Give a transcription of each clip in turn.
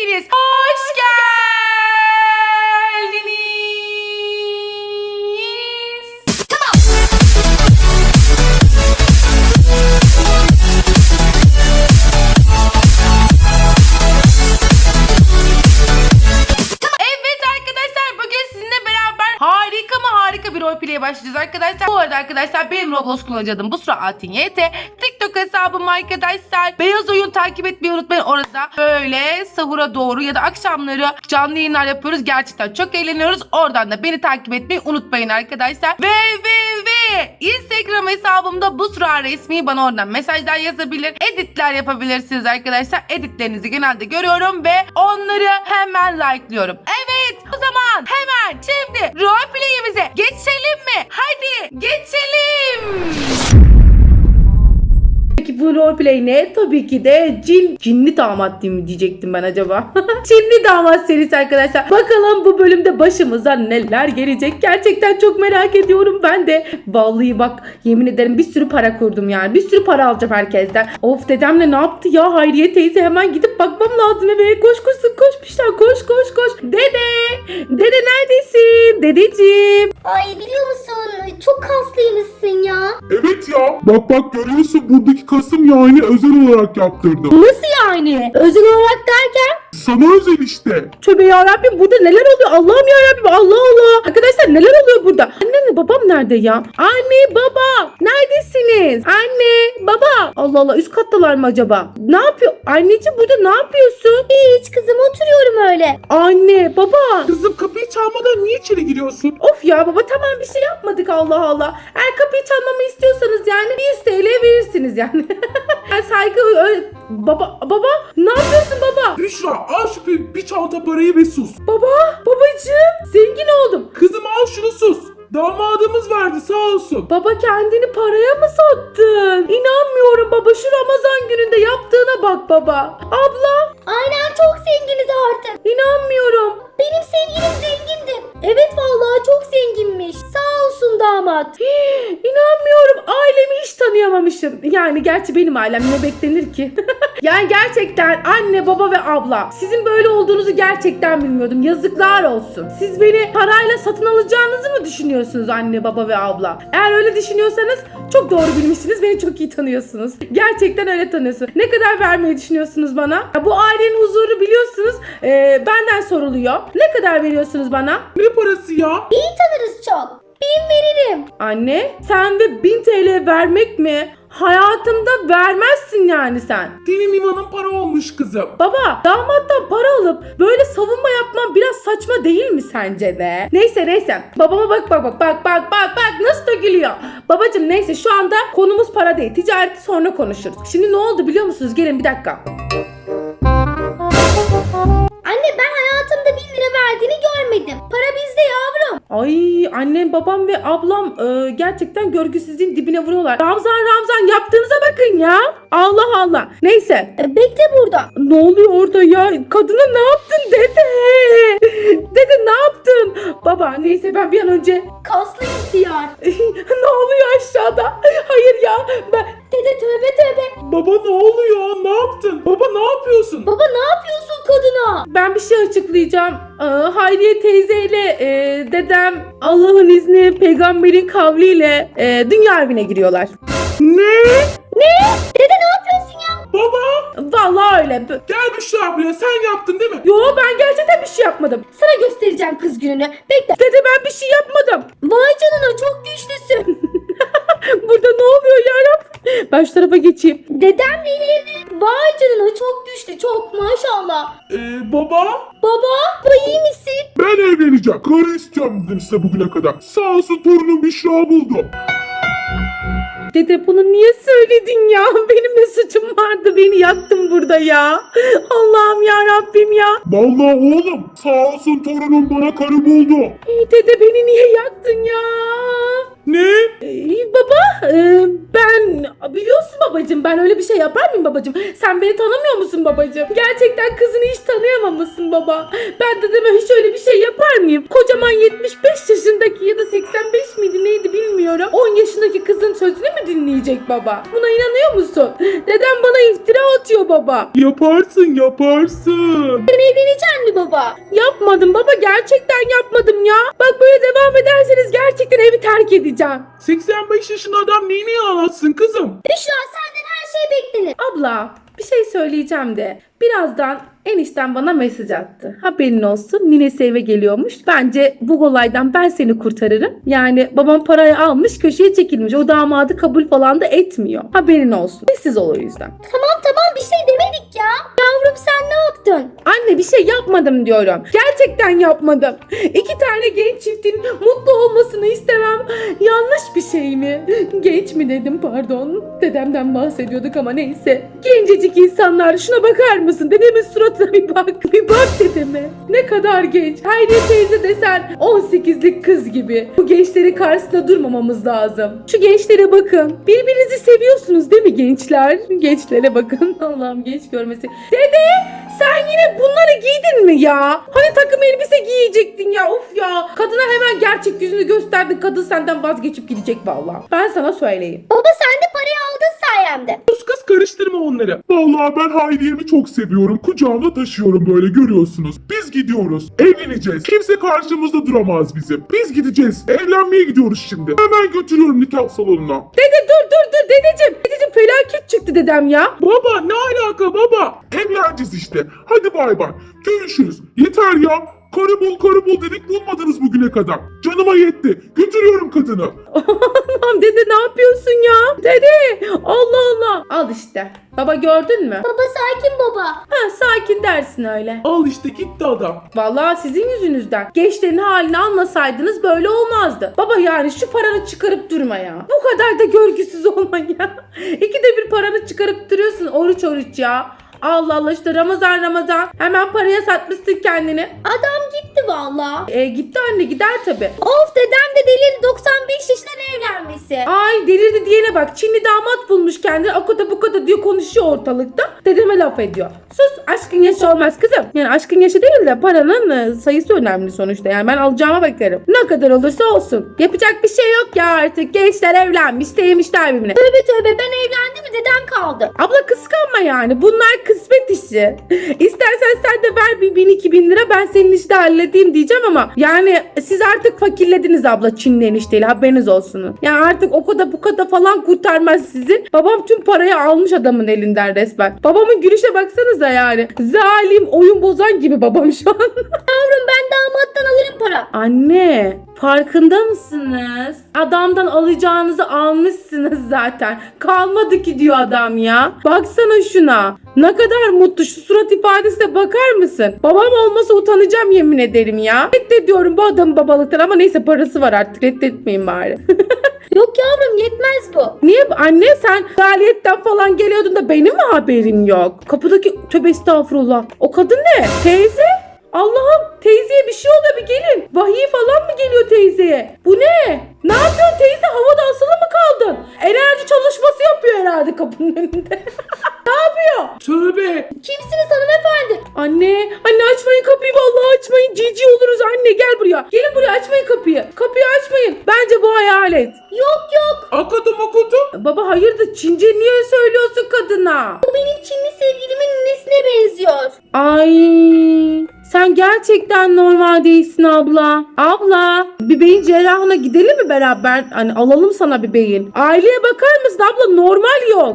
hepiniz hoş geldiniz. Evet arkadaşlar, bugün sizinle beraber harika bir roleplay'e başlayacağız arkadaşlar. Bu arada arkadaşlar, benim Roblox kullanıcı adım Busra Altin YT. TikTok hesabım arkadaşlar. Beyaz oyun takip etmeyi unutmayın. Orada böyle sahura doğru ya da akşamları canlı yayınlar yapıyoruz. Gerçekten çok eğleniyoruz. Oradan da beni takip etmeyi unutmayın arkadaşlar. Ve Instagram hesabımda Busra resmi, bana oradan mesajlar yazabilir. Editler yapabilirsiniz arkadaşlar. Editlerinizi genelde görüyorum ve onları hemen like'lıyorum. Evet, o zaman hemen şimdi roleplay'imize geçelim mi? Hadi geçelim. Peki bu roleplay ne? Tabii ki de cinli damat değil mi diyecektim ben acaba. Cinli damat serisi arkadaşlar. Bakalım bu bölümde başımıza neler gelecek. Gerçekten çok merak ediyorum ben de. Vallahi bak, yemin ederim bir sürü para kurdum yani. Bir sürü para alacağım herkesten. Of, dedemle ne yaptı ya Hayriye teyze, hemen gidip bakmam lazım eve. Koş koşmuşlar, koş. Dede neredesin? Dedeciğim. Ay, biliyor musun? Çok kaslıymışsın ya. Evet ya. Bak görüyorsun, buradaki kasım yani özel olarak yaptırdım. Nasıl yani? Özel olarak derken? Sana özel işte. Tövbe yarabbim, burada neler oluyor? Allah'ım yarabbim, Allah. Arkadaşlar neler oluyor burada? Annemle babam nerede ya? Anne baba neredesiniz? Anne baba. Allah, üst kattalar mı acaba? Ne yapıyor? Anneciğim, burada ne yapıyorsun? Hiç kızım, oturuyorum öyle. Anne baba. Kızım, kapıyı çalmadan niye içeri giriyorsun? Of ya baba, tamam bir şey yapmadık, Allah. Eğer kapıyı çalmamı istiyorsanız yani 100 TL verirsiniz yani. Yani saygı baba ne yapıyorsun baba? Büşra, al şu bir çanta parayı ve sus. Babacığım, zengin oldum. Kızım, al şunu, sus. Damadımız verdi, sağ olsun. Baba, kendini paraya mı sattın? İnanmıyorum baba, şu Ramazan gününde yaptığına bak baba. Abla, Aynen, çok zenginiz artık. inanmıyorum. Benim sevgilim zengindi. Evet vallahi çok zenginmiş. Sağ olsun damat. İnanmıyorum, ailemi hiç tanıyamamışım. Yani gerçi benim ailem ne beklenir ki? Yani gerçekten anne baba ve abla, sizin böyle olduğunuzu gerçekten bilmiyordum. Yazıklar olsun. Siz beni parayla satın alacağınızı mı düşünüyorsunuz anne baba ve abla? Eğer öyle düşünüyorsanız çok doğru bilmişsiniz. Beni çok iyi tanıyorsunuz. Gerçekten öyle tanıyorsunuz. Ne kadar vermeyi düşünüyorsunuz bana? Ya bu ailenin huzuru biliyorsunuz benden soruluyor. Ne kadar veriyorsunuz bana? Ne parası ya? İyi tanırız çok. 1000 veririm. Anne, sen de 1000 TL vermek mi? Hayatında vermezsin yani sen. Dilim imanın para olmuş kızım. Baba, damattan para alıp böyle savunma yapman biraz saçma değil mi sence de? Neyse. Babama bak nasıl da gülüyor. Babacım neyse, şu anda konumuz para değil. Ticareti sonra konuşuruz. Şimdi ne oldu biliyor musunuz? Gelin bir dakika. Anne, ben hayatımda 1000 lira verdiğini görmedim. Para bizde yavrum. Ay, annem, babam ve ablam gerçekten görgüsüzlüğün dibine vuruyorlar. Ramzan yaptığınıza bakın ya. Allah. Neyse. Bekle burada. Ne oluyor orada ya? Kadına ne yaptın dede? Dede ne yaptın? Baba neyse, ben bir an önce... Kaslı ihtiyar. Ne oluyor aşağıda? Hayır ya, ben... Dede, tövbe. Baba, ne oluyor? Ne yaptın? Baba, ne yapıyorsun? Baba, ne yapıyorsun kadına? Ben bir şey açıklayacağım. Hayriye teyzeyle dedem Allah'ın izni, peygamberin kavliyle dünya evine giriyorlar. Ne? Dede, ne yapıyorsun ya? Baba, Vallahi öyle. gel Büşra buraya. Sen yaptın değil mi? Yo, ben gerçekten bir şey yapmadım. Sana göstereceğim kız gününü. Bekle. Dede, ben bir şey yapmadım. Vay canına, çok güçlüsün. Burada ne oluyor yarabbim? Ben şu tarafa geçeyim. Dedemle evli. Vay canına, çok güçlü, çok maşallah. Baba, Baba, iyi misin? ben evleneceğim. Karı istiyorum dedim size bugüne kadar. Sağ olsun, torunum Büşra buldu. Dede, bunu niye söyledin ya? Benim ne suçum vardı? Beni yaktın burada ya. Allah'ım ya Rabbim ya. Vallahi oğlum, sağ olsun torunum bana karı buldu. Dede, beni niye yaktın ya? Ne? Baba ben biliyorsun babacığım, ben öyle bir şey yapar mıyım babacığım? Sen beni tanımıyor musun babacığım? Gerçekten kızını hiç tanıyamamışsın baba. Ben dedeme hiç öyle bir şey yapar mıyım? Kocaman 75 yaşındaki ya da 85 miydi neydi bilmiyorum. 10 yaşındaki kızın sözünü mü dinleyecek baba? Buna inanıyor musun? Dedem bana iftira atıyor baba. Yaparsın yaparsın. Sen evleneceksin mi baba? Yapmadım baba, gerçekten yapmadım ya. Bak böyle devam ederseniz gerçekten evi terk edeceğim. 85 yaşında adam neyini anlatsın kızım? Büşra senden her şey beklenir. Abla bir şey söyleyeceğim de birazdan enişten bana mesaj attı. Haberin olsun, ninesi eve geliyormuş. Bence bu olaydan ben seni kurtarırım. Yani babam parayı almış, köşeye çekilmiş. O damadı kabul falan da etmiyor. Haberin olsun. Sessiz ol o yüzden. Tamam bir şey demedik ya. Yavrum sen ne yaptın? Anne bir şey yapmadım diyorum. Gerçekten yapmadım. 2 tane genç çiftin mutlu olmasını istemem. Yanlış bir şey mi? Genç mi dedim, pardon. Dedemden bahsediyorduk ama neyse. Gencecik insanlar, şuna bakar mısın? Dedemin suratına bir bak. Bir bak dedeme. Ne kadar genç. Hayriye teyze desen 18'lik kız gibi. Bu gençlerin karşısında durmamamız lazım. Şu gençlere bakın. Birbirinizi seviyorsunuz değil mi gençler? Gençlere bakın. Allah'ım genç görmesi. Dede sen yine bunları giydin mi ya? Hani takım elbise giyecektin ya, of ya. Kadına hemen gerçek yüzünü gösterdin. Kadın senden vazgeçip gidecek vallahi. Ben sana söyleyeyim. Baba sen de parayı aldın sayemde. Sus kız karıştırma onları. Vallahi ben Hayriye'mi çok seviyorum. Kucağımda taşıyorum böyle görüyorsunuz. Biz gidiyoruz. Evleneceğiz. Kimse karşımızda duramaz bizim. Biz gideceğiz. Evlenmeye gidiyoruz şimdi. Hemen götürüyorum nikah salonuna. Dede dur dedeciğim. Dedeciğim felaket çıktı dedem ya. Baba ne alaka baba? Evleneceğiz işte. Hadi bay bay. Görüşürüz. Yeter ya. Karı bul dedik bulmadınız bugüne kadar. Canıma yetti. Götürüyorum kadını. Allah'ım dede ne yapıyorsun ya? Dede Allah Allah. Al işte. Baba gördün mü? Baba sakin baba. Ha, sakin dersin öyle. Al işte gitti adam. Vallahi sizin yüzünüzden. Gençlerin halini anlasaydınız böyle olmazdı. Baba yani şu paranı çıkarıp durma ya. Bu kadar da görgüsüz olma ya. 2'de bir paranı çıkarıp duruyorsun oruç ya. Allah Allah işte Ramazan. Hemen paraya satmışsın kendini. Adam gitti valla. Gitti anne, gider tabi. Of dedem de delirdi 95 yaşında evlenmesi. Ay delirdi diyene bak. Çinli damat bulmuş kendini. O kadar bu kadar diyor, konuşuyor ortalıkta. Dedeme laf ediyor. Sus, aşkın yaşı olmaz kızım. Yani aşkın yaşı değil de paranın sayısı önemli sonuçta. Yani ben alacağıma bakarım. Ne kadar olursa olsun. Yapacak bir şey yok ya artık. Gençler evlenmiş, sevmişler birbirine. Tövbe ben evlendim mi dedem kaldı. Abla kıskanma yani. Bunlar kısmet işi. İstersen sen de ver bir 1000-2000 lira, ben senin işi de halledeyim diyeceğim ama yani siz artık fakirlediniz abla Çinli enişteyle, haberiniz olsun. Yani artık o kadar bu kadar falan kurtarmaz sizi. Babam tüm parayı almış adamın elinden resmen. Babamın gülüşe baksanıza yani. Zalim, oyun bozan gibi babam şu an. Yavrum ben damattan alırım para. Anne, farkında mısınız? Adamdan alacağınızı almışsınız zaten. Kalmadı ki diyor adam ya. Baksana şuna. Ne kadar mutlu, şu surat ifadesine bakar mısın? Babam olmasa utanacağım yemin ederim ya. Reddediyorum bu adamın babalıktan ama neyse parası var artık, reddetmeyin bari. Yok yavrum yetmez bu. Niye anne, sen faaliyettan falan geliyordun da benim mi haberim yok? Kapıdaki, tövbe estağfurullah. O kadın ne? Teyze? Allah'ım, teyzeye bir şey oluyor, bir gelin. Vahiy falan mı geliyor teyzeye? Bu ne? Ne yapıyorsun teyze? Havada asılı mı kaldın? Enerji çalışması yapıyor herhalde kapının önünde. Ne yapıyor? Tövbe. Kimsiniz hanımefendi? Anne açmayın kapıyı, vallahi açmayın. Cici oluruz anne, gel buraya. Gelin buraya, açmayın kapıyı. Kapıyı açmayın. Bence bu hayalet. Yok. Akıdım. Baba hayırdır, Çince niye söylüyorsun kadına? Bu benim Çinli sevgilimin nesine benziyor. Ay, sen gerçekten normal değilsin abla. Abla, bir beyin cerrahına gidelim mi beraber? Hani alalım sana bir beyin. Aileye bakar mısın abla? Normal yok.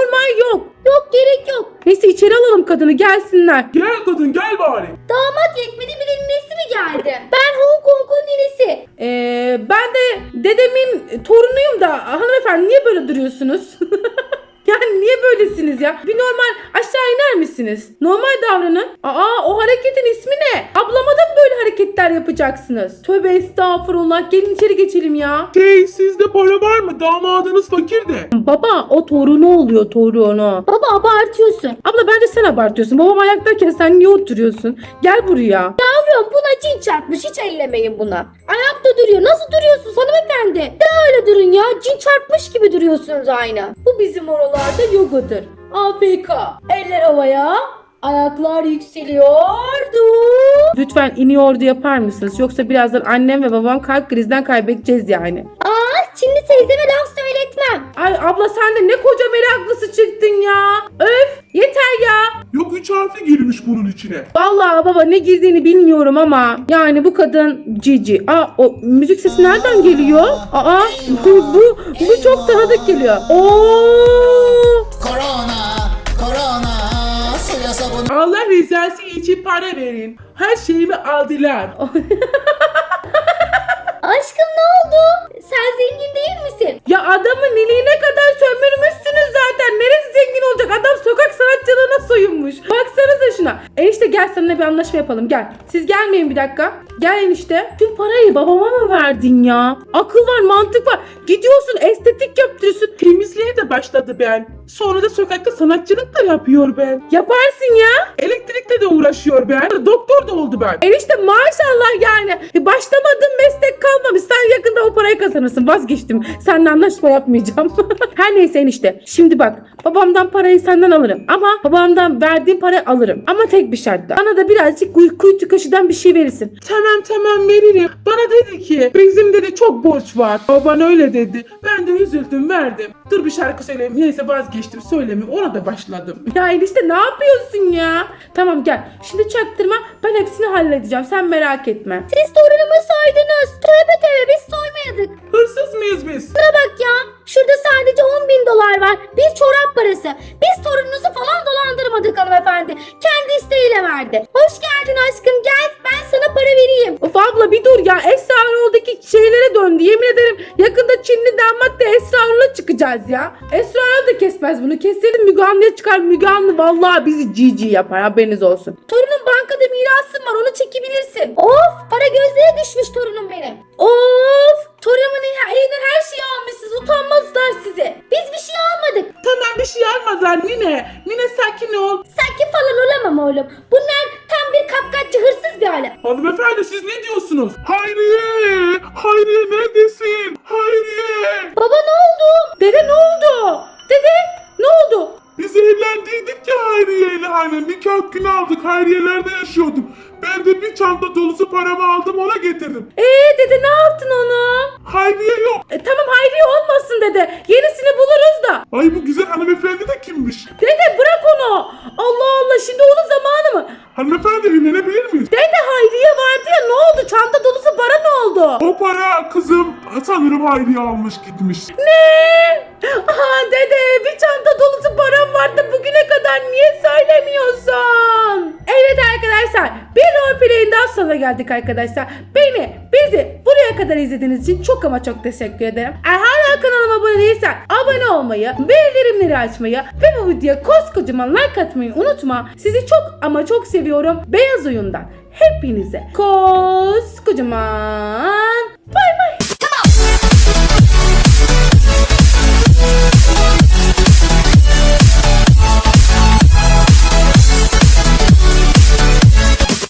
Yok gerek yok. Neyse içeri alalım kadını, gelsinler. Gel kadın gel bari. Damat yetmedi bir de ninesi mi geldi? Ben Hong Kong'un ninesi. Ben de dedemin torunuyum da hanımefendi niye böyle duruyorsunuz? Yani niye böylesiniz ya? Bir normal aşağı iner misiniz? Normal davranın. O hareketin ismi ne? Ablama da mı böyle hareketler yapacaksınız? Tövbe estağfurullah. Gelin içeri geçelim ya. Sizde para var mı? Damadınız fakir de. Baba o torunu oluyor, torunu. Baba abartıyorsun. Abla bence sen abartıyorsun. Babam ayaktayken sen niye oturuyorsun? Gel buraya. biliyorum buna cin çarpmış. Hiç ellemeyin buna. Ayakta duruyor. Nasıl duruyorsunuz hanımefendi? De öyle durun ya. Cin çarpmış gibi duruyorsunuz aynı. Bu bizim oralarda yogadır. AFK. Eller havaya. Ayaklar yükseliyordu. Lütfen iniyordu yapar mısınız? Yoksa birazdan annem ve babam kalp krizden kaybedeceğiz yani. Şimdi teyzeme laf söyletmem. Ay abla sen de ne koca meraklısı çıktın ya. Öf yeter ya. Yok 3 harfi girmiş bunun içine. Vallahi baba ne girdiğini bilmiyorum ama yani bu kadın cici. O müzik sesi nereden geliyor? Bu çok tanıdık geliyor. Korona, suya sabun. Allah rızası için para verin. Her şeyimi aldılar. Aşkım ne oldu? Sen zengin değil misin? Ya adamın iliğine kadar sömürmüşsünüz zaten. Neresi zengin olacak? Adam sokak sanatçılığına soyunmuş. Baksanıza şuna. Enişte gel seninle bir anlaşma yapalım gel. Siz gelmeyin bir dakika. Gel enişte. Tüm parayı babama mı verdin ya? Akıl var mantık var. Gidiyorsun estetik yaptırıyorsun. Temizliğe de başladı ben. Sonra da sokakta sanatçılık da yapıyor ben. Yaparsın ya. Elektrikle de uğraşıyor ben. Doktor da oldu ben. Enişte maşallah yani. Başlamadığın meslek kalmamış. Sen yakında o parayı kazanırsın. Vazgeçtim. Seninle anlaşma yapmayacağım. Her neyse enişte. Şimdi bak. Babamdan parayı senden alırım. Ama babamdan verdiğim parayı alırım. Ama tek bir şartla. Bana da birazcık kuytu kaşıdan bir şey verirsin. Tamam veririm. Bana dedi ki bizim dedi çok borç var. O bana öyle dedi. Ben de üzüldüm verdim. Dur bir şarkı söyleyeyim. Neyse vazgeçtim söylemeyeyim. Ona da başladım. Ya enişte ne yapıyorsun ya? Tamam gel. Şimdi çaktırma. Ben hepsini halledeceğim. Sen merak etme. Siz torunumu soydunuz. Tövbe biz soymayadık. Hırsız mıyız biz? Buna bak ya. Şurada sadece 10.000 dolar var. Bir çorap parası. Biz torununuzu falan dolandırmadık hanımefendi. Kendi isteğiyle verdi. Hoş geldin aşkım gel. Ben sana para vereyim. Of abla bir dur ya. Esrarol'daki şeylere döndü. Yemin ederim yakında Çinli damat da Esrarol'a çıkacağız ya. Esrarol da kesmez bunu. Keselim Müge Anlı'ya çıkar. Müge Anlı vallahi bizi cici yapar. Haberiniz olsun. Torunun bankada mirasım var onu çekebilirsin. Of para gözlere düşmüş torunum benim. Of torunumun elinden her şeyi almışsınız utanmazlar size. Biz bir şey almadık. Tamam bir şey almadılar Nine. Nine sakin ol. Sakin falan olamam oğlum. Bunlar tam bir kapkaççı hırsız bir aile. Hanımefendi siz ne diyorsunuz? Hayriye neredesin? Hayriye. Baba ne oldu? Dede ne oldu? Dede ne oldu? Biz evlendiydik ya Hayriye ile hani nikah günü aldık. Hayriye'lerde yaşıyordum. Ben de bir çanta dolusu paramı aldım ona getirdim. Dede ne yaptın onu? Hayriye yok. Tamam Hayriye olmasın dede. Yenisini buluruz da. Ay bu güzel hanımefendi de kimmiş? Dede bırak onu. Allah Allah şimdi onun zamanı mı? Hanımefendi evlenebilir miyiz? Dede Hayriye vardı ya ne oldu? Çanta dolusu para ne oldu? O para kızım sanırım Hayriye almış gitmiş. Ne? Aha dede bir çanta dolusu param vardı bugüne kadar niye söylemiyorsun? Evet arkadaşlar bir roleplay'in daha sonuna geldik arkadaşlar. Bizi buraya kadar izlediğiniz için çok ama çok teşekkür ederim. Eğer hala kanalıma abone değilsen abone olmayı, bildirimleri açmayı ve bu videoya koskocaman like atmayı unutma. Sizi çok ama çok seviyorum. Beyaz Oyun'dan hepinize koskocaman